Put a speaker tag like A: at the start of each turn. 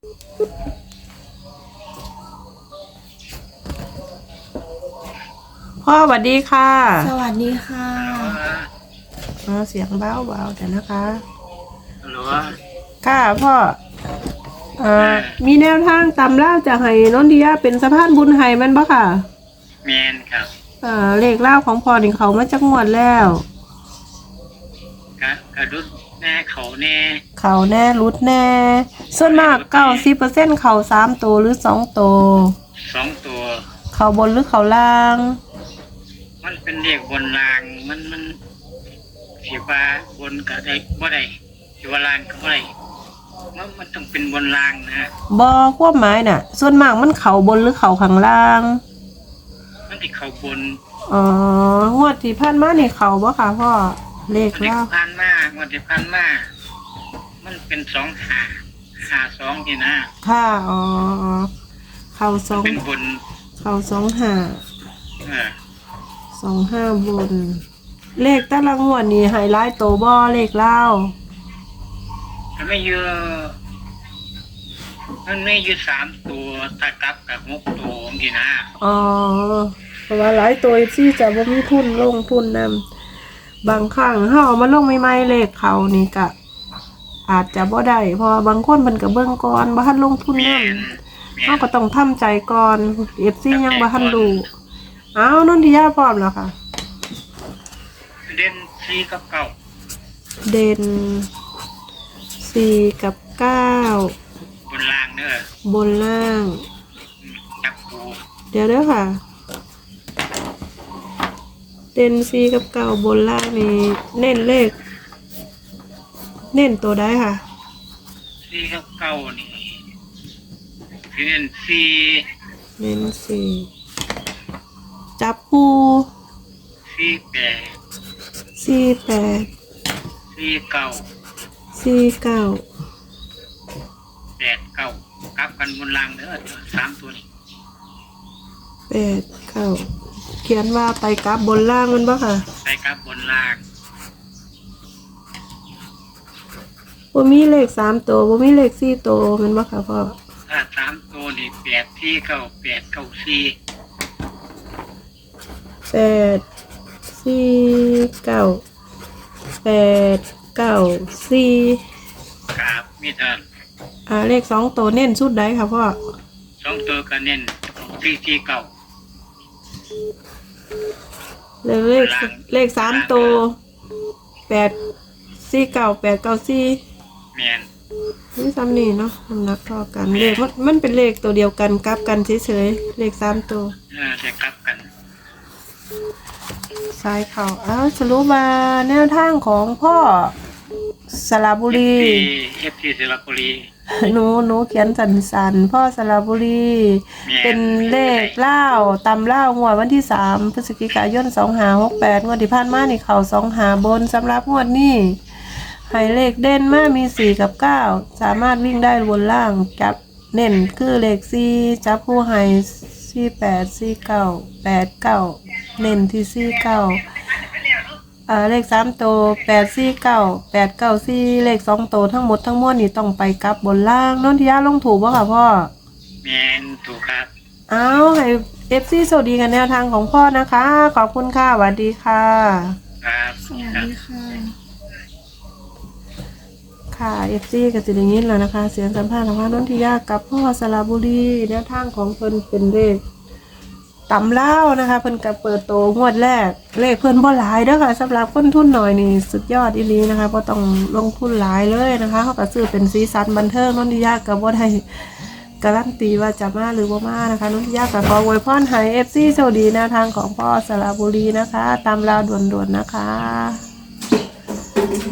A: พ่อสวัสดีค่ะ
B: สวัสดีค่ะ
A: เสียงเบาๆแต่นะคะ
C: ฮัลโหล
A: ค่ะพ่อมีแนวทางตำเล่าจากให้นนทิยาเป็นสะพานบุญให้มันบ่ค่ะ
C: แมนครับ
A: เลขเล่าของพ่อนี่เขามาจากงวดแล้ว
C: กระดุดแน่เขาแน่
A: เขาแน่รุดแน่ส่วนมาก90%เขา3ตัวหรือ2ตัว
C: 2ตัว
A: เขาบนหรือเขาล่าง
C: มันเป็นเลขบนรางมันสีฟ้าบนก็ได้บ่ได้สีฟ้าล่างก็บ่ได้มันต้องเป็นบนรางนะ
A: บ่ความหมายน่ะส่วนมากมันเขาบนหรือเขาข้างล่าง
C: มันที่เขาบน
A: งวดที่ผ่านมานี่เขาบ่ค่ะพ่อเลขเล่า
C: ผ่านมางวดที่ผ่านมามันเป็น2-5-2นี่นะ
A: ค่ะเขา
C: เป็นบน
A: เขา25บนเลขแต่ละงวดนี่ไฮไลท์โตบ่เลขเล่า
C: มันไม่เยอะมันไม่อยู่3ตัวถ้ากลับกับ6ตัวนี่นะ
A: เพราะว่าหลายตัวที่จะบ่มีทุนลงทุนนำบางครั้งเฮาเอามาลงใหม่ๆเลขเขานี่ก็อาจจะบ่ได้เพราะบางคนเพิ่นก็เบิ่งก่อนบ่ทันลงทุนนำเฮาก็ต้องทำใจก่อน FC ยังบ่ทันรู้นนทิยาพร้อมแล้วค่ะ
C: เด่น4กับ9
A: เด่น4กับ9
C: บนล่างเด้อบ
A: นล่าง
C: จับปู
A: เดี๋ยวเด้อค่ะเด่น4กับ9บนล่างนี่เน้นเลขเน้นตัวใดค่ะ
C: 4กับ9นี่เน้น
A: 4เน้น4จับปู
C: 48 49 89กลับกันบนล่างเด้อ3ตัวนี้
A: 89เขียนว่าไปกลับบนล่างมันบ่ค่ะ
C: ไปกลับบนล่าง
A: บ่มีเลข3ตัวบ่มีเลข4ตัวมันบ่ค่ะพ่อ
C: ถ้า3ตัวนี่
A: 849
C: ครับมีเท่า
A: เลข2ตัวเน้นสุดใดค่ะพ่อ
C: 2ตัวก็เน้น449
A: เลข3ตัว849 894
C: แม่น
A: นี่ซ้ำนี่เนาะน้ำหนักเท่ากันเลขมันเป็นเลขตัวเดียวกันกลับกันเฉยๆเลข3ตัว
C: จะกลับกัน
A: ซ้ายเข่าสรุปมาแนวทางของพ่อสระบุรี
C: FT สระบุรี
A: หนูเขียนสันพ่อสระบุรีเป็นเลขเล่าตำเล่างวดวันที่3 พฤศจิกายน 2568งวดที่ผ่านมานี่เขา25บนสำหรับงวดนี้ให้เลขเด่นมามี4กับ9สามารถวิ่งได้บนล่างจับเน้นคือเลข4จับคู่ให้48 49 89เน้นที่49เลข3ตัว849 894เลข2ตัวทั้งหมดทั้งมวลนี่ต้องไปกลับบนล่างนนทิยาลงถูกบ่ค่ะพ่อ
C: แม่นถูกครับ
A: ให้ FC สวัสดีกันแนวทางของพ่อนะคะขอบคุณค่ะสวัสดีค่ะ
C: ครับ
B: สวัสดีค่ะ
A: FC ก็สิได้ยินแล้วนะคะเสียงสัมภาษณ์ของนนทิยากับพ่อสระบุรีแนวทางของเพิ่นเป็นเลขตำเล่านะคะเพิ่นก็เปิดโตงวดแรกเลขเพิ่นบ่หลายเด้อค่ะสำหรับคนทุนหน่อยนี่สุดยอดอีหลีนะคะบ่ต้องลงทุนหลายเลยนะคะเขาก็ซื้อเป็นสีสันบันเทิงนนทิยาก็บ่ได้การันตีว่าจะมาหรือบ่มานะคะนนทิยาก็ขออวยพรให้ FC สวัสดีแนวทางของพ่อสระบุรีนะคะตำเล่าด่วนๆนะคะ